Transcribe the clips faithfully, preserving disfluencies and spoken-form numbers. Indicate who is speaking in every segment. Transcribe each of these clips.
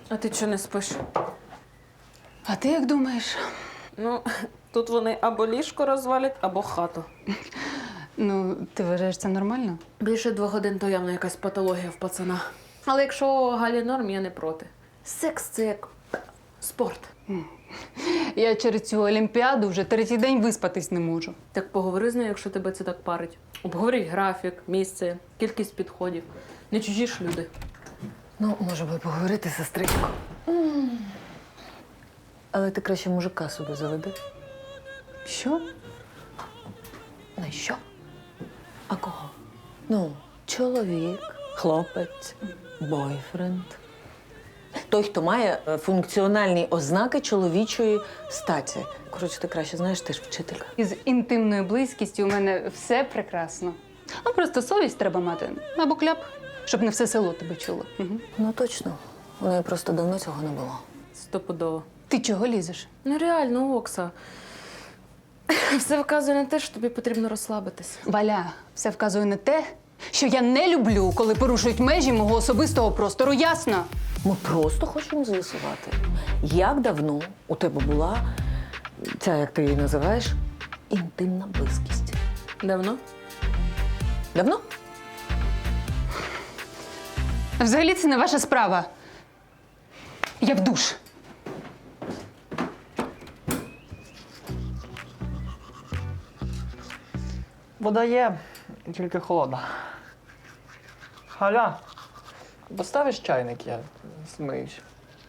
Speaker 1: А ти чого не спиш?
Speaker 2: А ти як думаєш?
Speaker 1: Ну, тут вони або ліжко розвалять, або хату.
Speaker 2: Ну, ти вважаєш це нормально?
Speaker 1: Більше двох годин то явно якась патологія в пацана. Але якщо Галі норм, я не проти. Секс це як спорт.
Speaker 2: Я через цю олімпіаду вже третій день виспатись не можу.
Speaker 1: Так поговори з нею, якщо тебе це так парить. Обговоріть графік, місце, кількість підходів. Не чужі ж люди.
Speaker 3: Ну, може би поговорити, сестричко. Але ти краще мужика собі заведи.
Speaker 2: Що?
Speaker 3: На що? А кого? Ну, чоловік, хлопець, бойфренд. Той, хто має е, функціональні ознаки чоловічої статі. Коротше, ти краще знаєш, ти ж вчителька.
Speaker 2: Із інтимною близькістю у мене все прекрасно. Ну, просто совість треба мати. Або кляп, щоб не все село тебе чуло. Угу.
Speaker 3: Ну, точно. У неї просто давно цього не було.
Speaker 1: Стопудово.
Speaker 2: Ти чого лізеш?
Speaker 1: Ну реально, Окса. Все вказує на те, що тобі потрібно розслабитись.
Speaker 2: Валя, все вказує на те, що я не люблю, коли порушують межі мого особистого простору, ясно?
Speaker 3: Ми просто хочемо з'ясувати, як давно у тебе була ця, як ти її називаєш, інтимна близькість.
Speaker 1: Давно?
Speaker 3: Давно?
Speaker 2: Взагалі це не ваша справа. Я в душ.
Speaker 4: Вода є, тільки холодна. Галя, поставиш чайник, я змиюсь.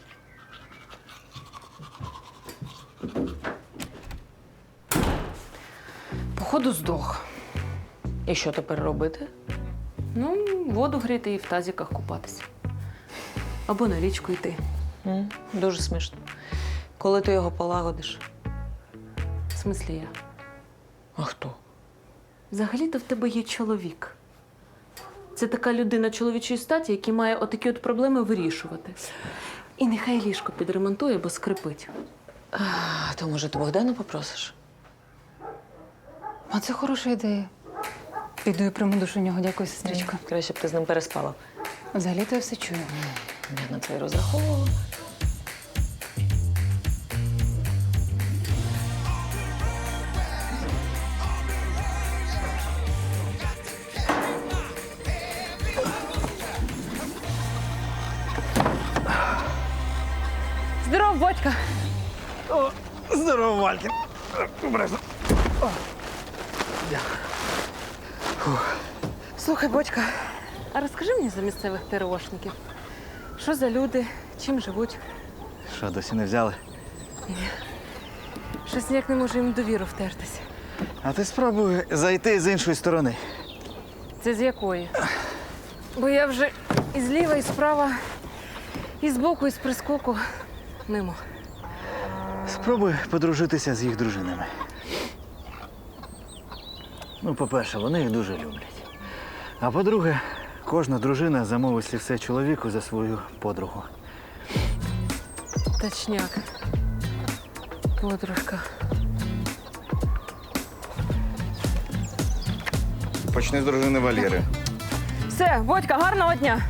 Speaker 1: Походу здох.
Speaker 3: І що тепер робити?
Speaker 1: Ну, воду гріти і в тазіках купатися. Або на річку йти.
Speaker 3: М, Дуже смішно. Коли ти його полагодиш?
Speaker 1: В смислі я.
Speaker 3: А хто?
Speaker 1: Взагалі-то в тебе є чоловік. Це така людина чоловічої статі, який має отакі от проблеми вирішувати. І нехай ліжко підремонтує, бо скрипить.
Speaker 3: А, то, може, ти Богдана попросиш?
Speaker 2: А це хороша ідея. Піду і прийму душу у нього. Дякую, сестричко.
Speaker 3: Краще б ти з ним переспала.
Speaker 2: Взагалі-то я все чую.
Speaker 3: Я на це й розраховувала.
Speaker 1: Здоров, Бодька!
Speaker 4: Здорово, Валькін.
Speaker 1: Слухай, Бодька, а розкажи мені за місцевих ТРОшників. Що за люди, чим живуть?
Speaker 5: Що, досі не взяли?
Speaker 1: Щось ніяк не можу їм довіру втертися.
Speaker 5: А ти спробуй зайти з іншої сторони.
Speaker 1: Це з якої? Бо я вже і зліва, і справа, і збоку, і з прискоку мимо.
Speaker 5: Спробуй подружитися з їх дружинами. Ну, по-перше, вони їх дуже люблять. А по-друге, кожна дружина замовить слівце чоловіку за свою подругу.
Speaker 1: Точняк. Подружка.
Speaker 6: Почни з дружини Валєри.
Speaker 1: Все, Бодька, гарного дня!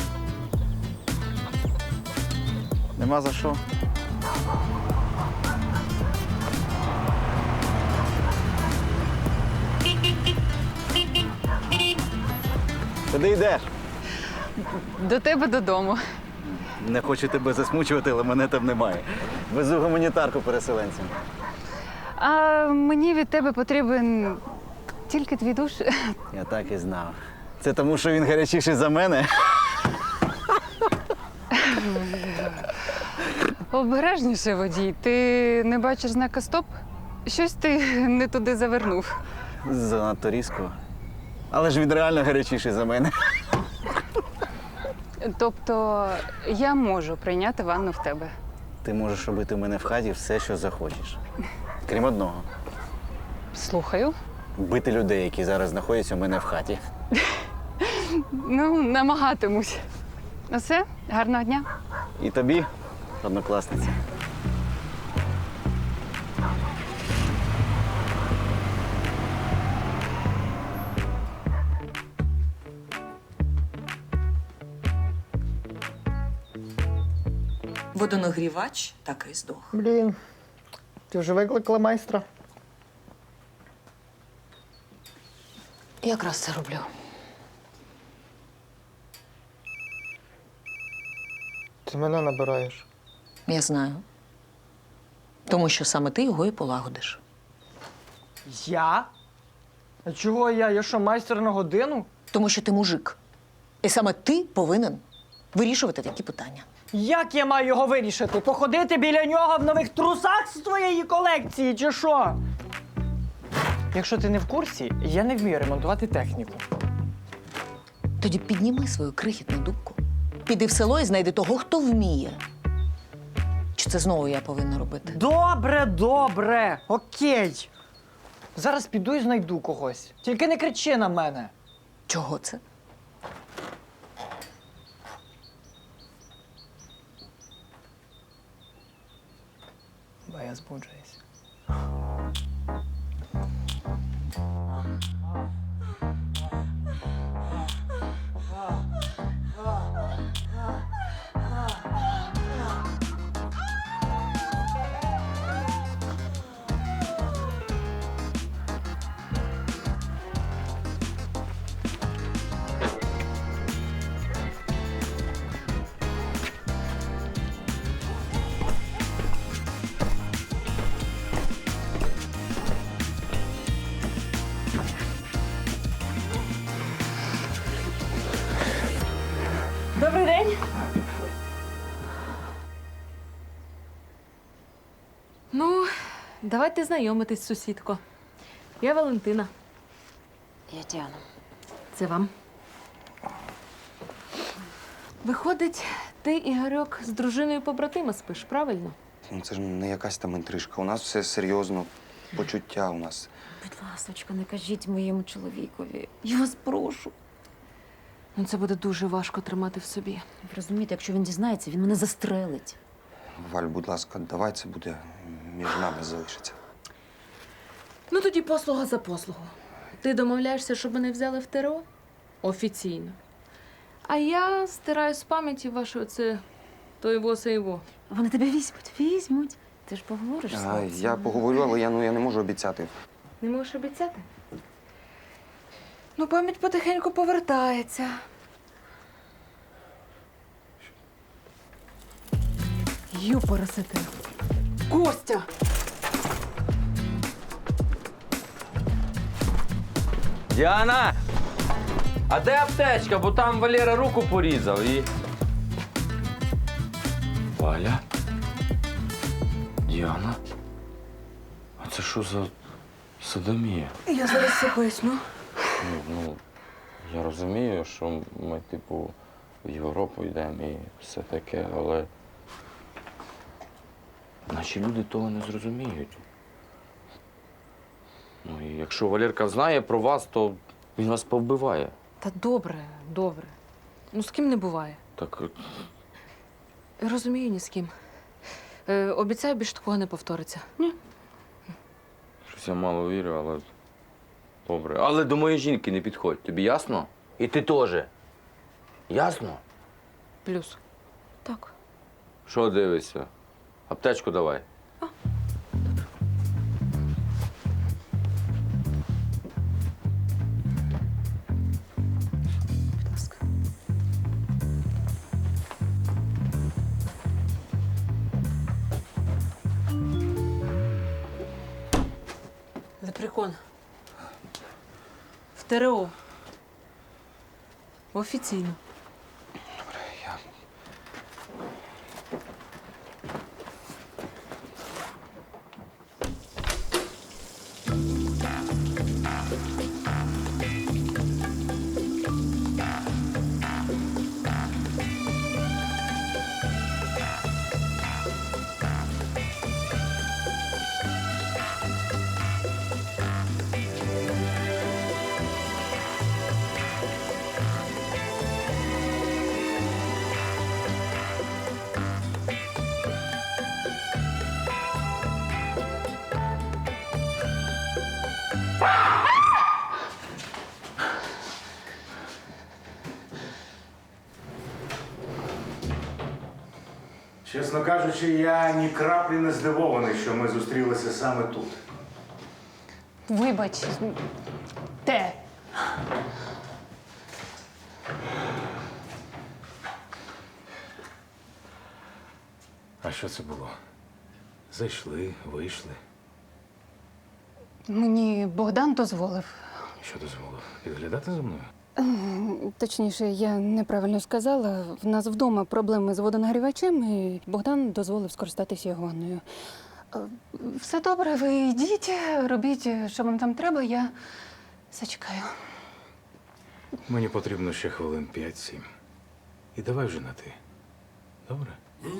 Speaker 5: Нема за що. Куди йдеш?
Speaker 2: До тебе додому.
Speaker 5: Не хочу тебе засмучувати, але мене там немає. Везу гуманітарку переселенцям.
Speaker 2: А мені від тебе потрібен тільки твій душ.
Speaker 5: Я так і знав. Це тому, що він гарячіший за мене?
Speaker 2: Обережніше, водій. Ти не бачиш знака стоп? Щось ти не туди завернув.
Speaker 5: Занадто різко. Але ж він реально гарячіший за мене.
Speaker 2: Тобто я можу прийняти ванну в тебе.
Speaker 5: Ти можеш робити в мене в хаті все, що захочеш. Крім одного.
Speaker 2: Слухаю.
Speaker 5: Бити людей, які зараз знаходяться у мене в хаті.
Speaker 2: Ну, намагатимусь. Ну все, гарного дня.
Speaker 5: І тобі, однокласниця.
Speaker 3: водонагрівач так і здох.
Speaker 4: Блін, ти вже викликала майстра?
Speaker 3: Якраз це роблю.
Speaker 4: Ти мене набираєш.
Speaker 3: Я знаю. Тому що саме ти його і полагодиш.
Speaker 4: Я? А чого я? Я що, майстер на годину?
Speaker 3: Тому що ти мужик. І саме ти повинен вирішувати такі питання.
Speaker 4: Як я маю його вирішити? Походити біля нього в нових трусах з твоєї колекції, чи що? Якщо ти не в курсі, я не вмію ремонтувати техніку.
Speaker 3: Тоді підніми свою крихітну дубку, піди в село і знайди того, хто вміє. Чи це знову я повинна робити?
Speaker 4: Добре, добре, окей. Зараз піду і знайду когось. Тільки не кричи на мене.
Speaker 3: Чого це?
Speaker 4: Бо я збуджуюсь.
Speaker 1: Добрий день. Ну, давайте знайомитись, сусідко. Я Валентина.
Speaker 7: Я Діана.
Speaker 1: Це вам. Виходить, ти, Ігорьок, з дружиною побратима спиш, правильно?
Speaker 6: Ну, це ж не якась там інтрижка. У нас все серйозно, почуття у нас.
Speaker 7: Будь ласочка, не кажіть моєму чоловікові. Я вас прошу.
Speaker 1: Ну, це буде дуже важко тримати в собі.
Speaker 7: Ви розумієте, якщо він дізнається, він мене застрелить.
Speaker 6: Валь, будь ласка, давай це буде між нами залишиться.
Speaker 1: Ну, тоді послуга за послугу. Ти домовляєшся, щоб мене взяли в ТРО? Офіційно. А я стираю з пам'яті ваше оце то його, се його.
Speaker 7: Вони тебе візьмуть, візьмуть. Ти ж поговориш з
Speaker 6: А,
Speaker 7: хлопцем.
Speaker 6: я поговорю, але я, ну, я не можу обіцяти.
Speaker 1: Не можеш обіцяти? Ну, пам'ять потихеньку повертається. Юпоросити. Костя!
Speaker 8: Діана! А де аптечка? Бо там Валера руку порізав і. Валя? Діана? А це що за садомія?
Speaker 1: Я зараз все поясню.
Speaker 8: Ну, ну, я розумію, що ми, типу, в Європу йдемо і все таке, але наші люди того не зрозуміють. Ну, і якщо Валерка знає про вас, то він вас повбиває.
Speaker 1: Та добре, добре. Ну, з ким не буває.
Speaker 8: Так
Speaker 1: Розумію, ні з ким. Е, обіцяю, більше такого не повториться.
Speaker 8: щось я мало вірю, але добре. Але до моєї жінки не підходь, тобі ясно? І ти теж. Ясно?
Speaker 1: Плюс. Так.
Speaker 8: Що дивишся? Аптечку давай.
Speaker 1: Будь ласка. Лепрекон. В ТРО. Офіційно.
Speaker 6: Я...
Speaker 9: Чесно кажучи, я ні краплі не здивований, що ми зустрілися саме тут.
Speaker 2: Вибач, те.
Speaker 9: А що це було? Зайшли, вийшли.
Speaker 2: Мені Богдан дозволив.
Speaker 9: Що дозволив? Підглядати за мною?
Speaker 2: Точніше, я неправильно сказала. В нас вдома проблеми з водонагрівачем, і Богдан дозволив скористатися його ванною. Е, Все добре, ви йдіть, робіть, що вам там треба, я зачекаю.
Speaker 9: Мені потрібно ще хвилин п'ять-сім. І давай вже на ти. Добре?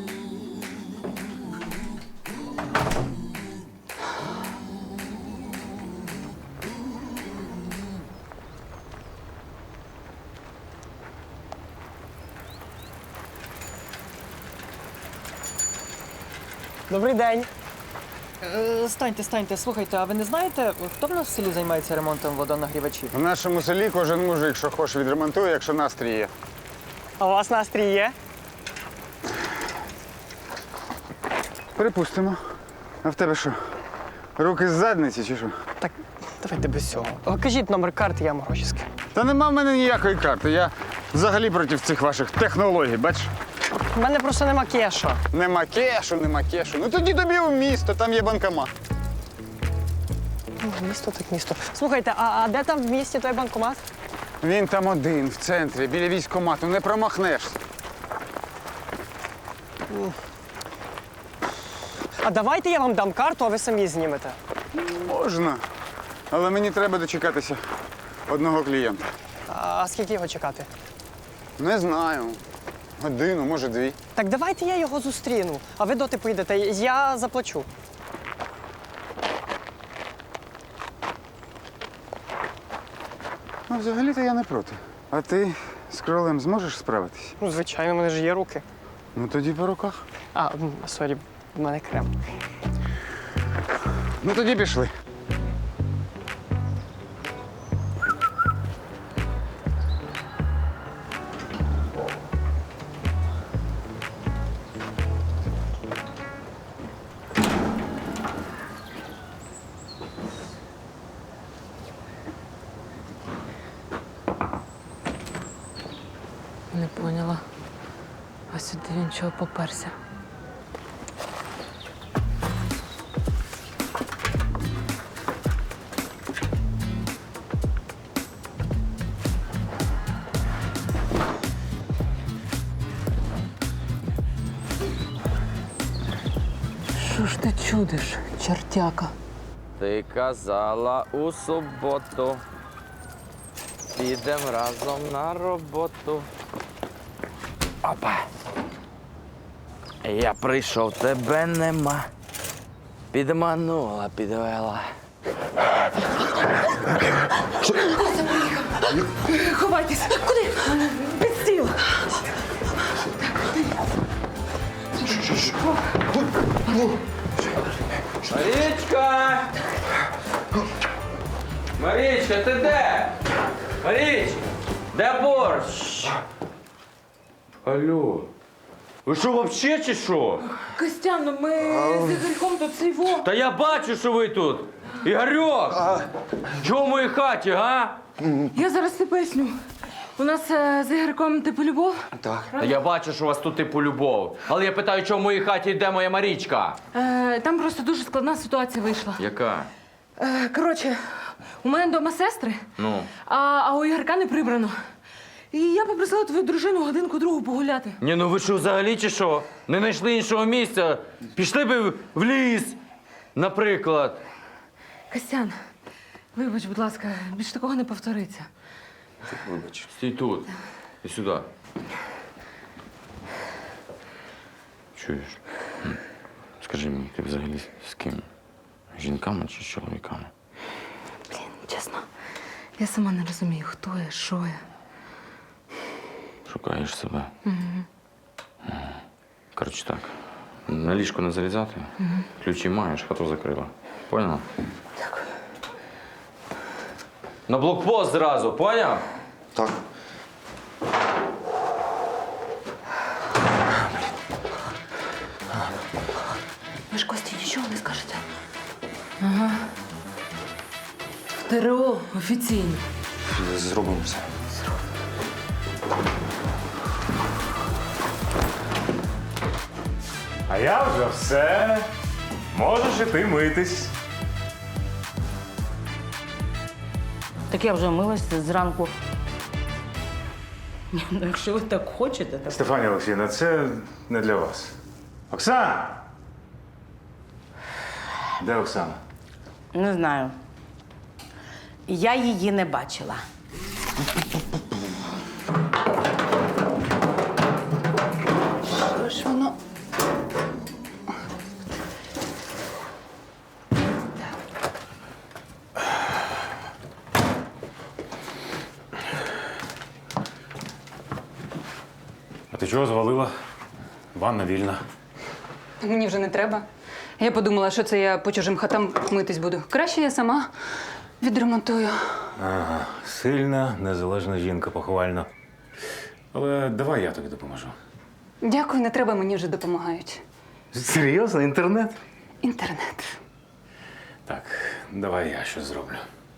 Speaker 4: Добрий день. Е, станьте, станьте, слухайте, а ви не знаєте, хто в нас в селі займається ремонтом водонагрівачів?
Speaker 10: В нашому селі кожен мужик, що хоче, відремонтує, якщо настрій є.
Speaker 4: А у вас настрій є?
Speaker 10: Припустимо. А в тебе що? Руки з задниці чи що?
Speaker 4: Так, давайте без цього. О, кажіть номер карти, я вам гроші скину.
Speaker 10: Та нема в мене ніякої карти. Я взагалі проти цих ваших технологій, бачиш?
Speaker 4: У мене просто нема кеша.
Speaker 10: Нема кешу, нема кешу. Ну тоді тобі в місто, там є банкомат.
Speaker 4: Ну, місто так місто. Слухайте, а, а де там в місті той банкомат?
Speaker 10: Він там один, в центрі, біля військкомату, не промахнешся.
Speaker 4: А давайте я вам дам карту, а ви самі знімете.
Speaker 10: Можна. Але мені треба дочекатися одного клієнта.
Speaker 4: А скільки його чекати?
Speaker 10: Не знаю. Годину, може, дві.
Speaker 4: Так давайте я його зустріну, а ви доти поїдете, я заплачу.
Speaker 10: Ну, взагалі-то я не проти. А ти з кролем зможеш справитись?
Speaker 4: Ну, звичайно, в мене ж є руки.
Speaker 10: Ну тоді по руках.
Speaker 4: А, м, сорі, в мене крем.
Speaker 10: Ну тоді пішли.
Speaker 1: Не поняла. А сюди він чого поперся? Що ж ти чудиш, чертяка?
Speaker 8: Ти казала у суботу. Підем разом на роботу. Опа. Я прийшов, тебе нема. Підманула, підвела.
Speaker 1: Ховайтесь! Куди? Під стіл!
Speaker 8: Марічка! Марічка, ти де? Маріч! Де борщ? Алло. Ви що, вообще чи що?
Speaker 1: Костян, ну ми з Ігорьком тут цей во.
Speaker 8: Та я бачу, що ви тут. Ігорьок! Чого в моїй хаті, га?
Speaker 1: Я зараз все поясню. У нас е, з Ігорьком типу любов.
Speaker 6: Так.
Speaker 8: Та я бачу, що у вас тут типу любов. Але я питаю, чого в моїй хаті йде моя Марічка?
Speaker 1: Е, там просто дуже складна ситуація вийшла.
Speaker 8: Яка?
Speaker 1: Е, коротше, у мене вдома сестри,
Speaker 8: Ну.
Speaker 1: а, а у Ігорка не прибрано. І я попросила твою дружину годинку другу погуляти.
Speaker 8: Ні, ну ви що, взагалі чи що? Не знайшли іншого місця? Пішли би в- в ліс, наприклад.
Speaker 1: Костян, вибач, будь ласка, більш такого не повториться.
Speaker 6: Вибач.
Speaker 8: Стій тут. І сюди. Чуєш? М. Скажи мені, ти взагалі з ким? Жінками чи з чоловіками?
Speaker 1: Блін, чесно, я сама не розумію, хто я, що я.
Speaker 8: Шукаєш себе. Угу. Коротше так. На ліжко не залізати. Угу. Ключі маєш, хату закрила. Поняла?
Speaker 1: Дякую.
Speaker 8: На блокпост зразу, поняв?
Speaker 6: Так.
Speaker 1: Ви ж Кості нічого не скажете? Ага. В ТРО офіційно.
Speaker 6: Зробимо все.
Speaker 9: А я вже все. Можеш іти митись.
Speaker 11: Так я вже милася зранку. Ну, якщо ви так хочете, так.
Speaker 9: Стефанія Олексіївна, це не для вас. Оксана! Де Оксана?
Speaker 11: Не знаю. Я її не бачила.
Speaker 2: Що ж воно?
Speaker 9: А ти чого звалила? Ванна вільна.
Speaker 2: Мені вже не треба. Я подумала, що це я по чужим хатам митись буду. Краще я сама відремонтую.
Speaker 9: Ага, сильна, незалежна жінка, похвально. Але давай я тобі допоможу.
Speaker 2: Дякую, не треба, мені вже допомагають.
Speaker 9: Серйозно, інтернет?
Speaker 2: Інтернет.
Speaker 9: Так, давай я щось зроблю.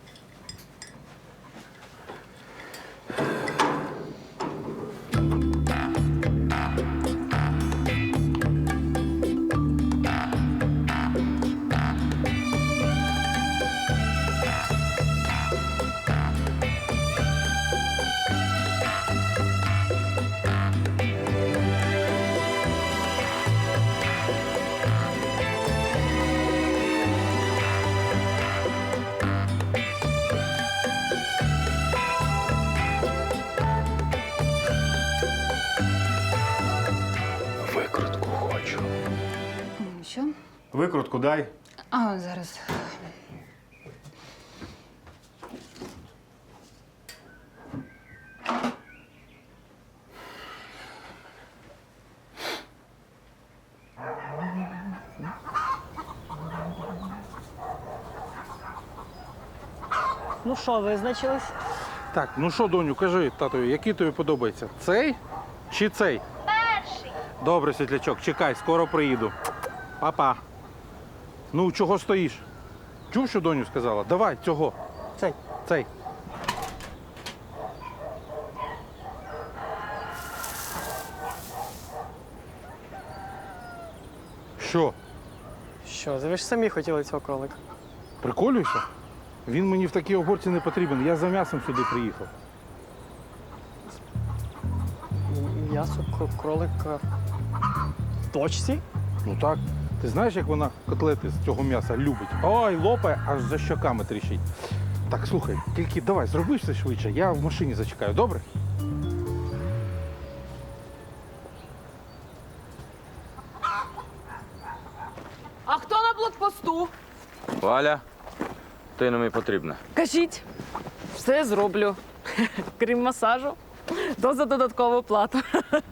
Speaker 9: Викрутку хочу.
Speaker 2: Що?
Speaker 9: Викрутку дай.
Speaker 2: А, зараз.
Speaker 4: Ну що, визначились?
Speaker 12: Так, ну що, доню, кажи татові, який тобі подобається? Цей чи цей?
Speaker 13: Перший.
Speaker 12: Добре, світлячок, чекай, скоро приїду. Папа. Ну, чого стоїш? Чув, що доню сказала? Давай, цього.
Speaker 4: Цей.
Speaker 12: Цей. Що?
Speaker 4: Що, ви ж самі хотіли цього кролика.
Speaker 12: Приколюєшся? Він мені в такій огорці не потрібен. Я за м'ясом сюди приїхав.
Speaker 4: М'ясо кро- кролика в точці?
Speaker 12: Ну так. Ти знаєш, як вона котлети з цього м'яса любить? Ой, лопає, аж за щоками тріщить. Так, слухай, тільки давай, зроби все швидше, я в машині зачекаю, добре?
Speaker 1: А хто на блокпосту?
Speaker 8: Валя, ти нам і потрібна.
Speaker 1: Кажіть, все зроблю. Крім масажу, то за додаткову плату.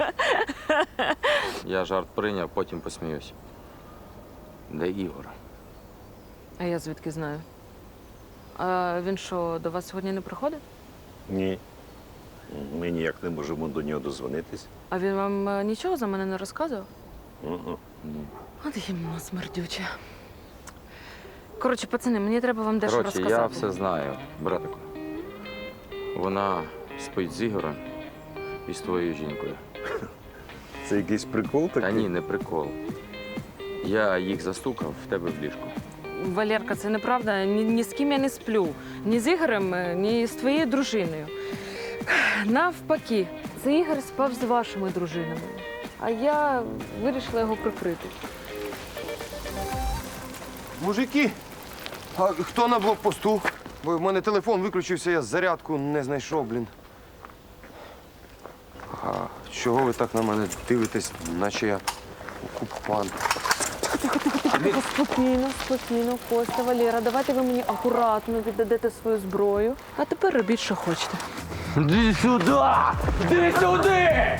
Speaker 8: Я жарт прийняв, потім посміюсь. Де Ігор?
Speaker 1: А я звідки знаю? А він що, до вас сьогодні не приходить?
Speaker 14: Ні. Ми ніяк не можемо до нього дозвонитись.
Speaker 1: А він вам е, нічого за мене не розказував?
Speaker 14: Угу.
Speaker 1: От їм смердюче. Коротше, пацани, мені треба вам дещо
Speaker 8: Коротше,
Speaker 1: розказати.
Speaker 8: я все знаю, братику. Вона спить з Ігорем і з твоєю жінкою.
Speaker 14: Це якийсь прикол такий?
Speaker 8: Та ні, не прикол. Я їх застукав в тебе в ліжку.
Speaker 1: Валерка, це неправда. Ні, ні з ким я не сплю. Ні з Ігорем, е, ні з твоєю дружиною. Навпаки, це Ігор спав з вашими дружинами. А я вирішила його прикрити.
Speaker 6: Мужики, а хто на блокпосту? Бо в мене телефон виключився, я зарядку не знайшов, блін. А чого ви так на мене дивитесь, наче я окупант?
Speaker 1: Спокійно, спокійно, Костя, Валера, давайте ви мені акуратно віддадете свою зброю. А тепер робіть, що хочете.
Speaker 8: Іди сюди! Іди сюди!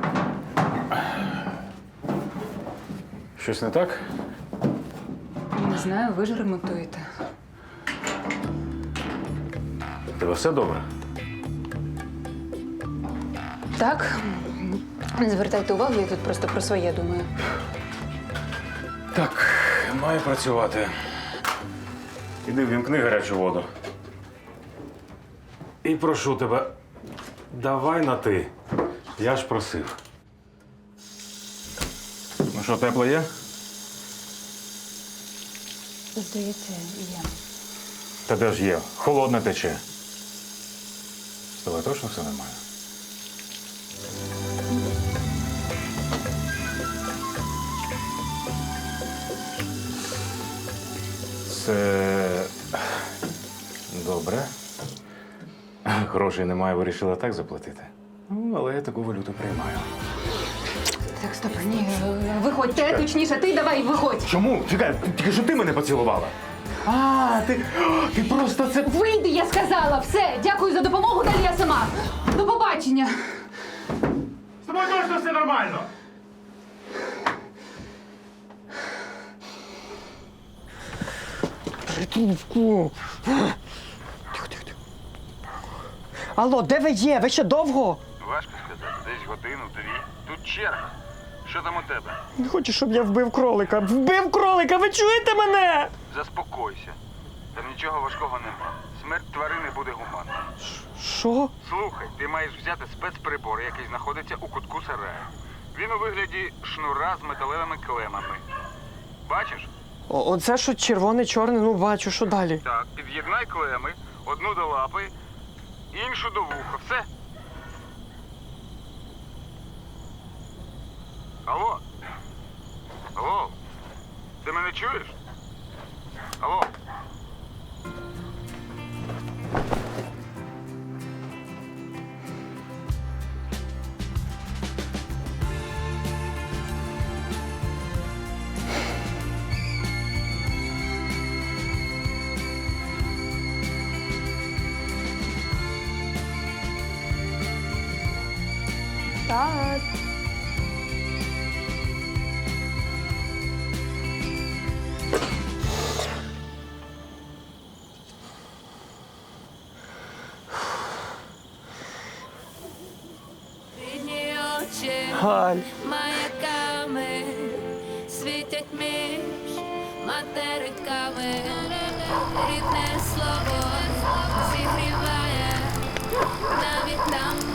Speaker 9: Щось не так?
Speaker 2: знаю, ви ж ремонтуєте.
Speaker 9: У тебе все добре?
Speaker 2: Так, не звертайте увагу, я тут просто про своє думаю.
Speaker 9: Так, маю працювати. Іди ввімкни гарячу воду. І прошу тебе, давай на ти. Я ж просив. Ну що, тепло є?
Speaker 2: Здається, є.
Speaker 9: Та де ж є? Холодне тече. З тобою точно все нормально? Це добре. Грошей немає, вирішила так заплатити. Ну, але я таку валюту приймаю.
Speaker 2: Так, стоп, ні, виходьте, точніше, ти давай, виходь.
Speaker 9: Чому? Чекай, тільки що ти мене поцілувала. А, ти, ти просто це...
Speaker 2: Вийди, я сказала, все, дякую за допомогу, далі я сама. До побачення.
Speaker 9: З тобою точно все нормально.
Speaker 4: Трубку. Тихо, тихо, тихо. Алло, де ви є? Ви ще довго?
Speaker 10: Важко сказати, десь годину-дві. Тут черга. Що там у тебе?
Speaker 4: Не хочу, щоб я вбив кролика. Вбив кролика, ви чуєте мене?
Speaker 10: Заспокойся. Там нічого важкого нема. Смерть тварини буде гуманна.
Speaker 4: Що?
Speaker 10: Слухай, ти маєш взяти спецприбор, який знаходиться у кутку сараю. Він у вигляді шнура з металевими клемами. Бачиш?
Speaker 4: О, оце що червоне-чорне, ну бачу, що далі?
Speaker 10: Так, під'єднай клеми, одну до лапи, іншу до вуха. Все. Алло? Алло? Ти мене чуєш? Алло?
Speaker 2: Так.
Speaker 4: Галь.
Speaker 13: Маяками світять між материками, рідне слово зігріває навіть там,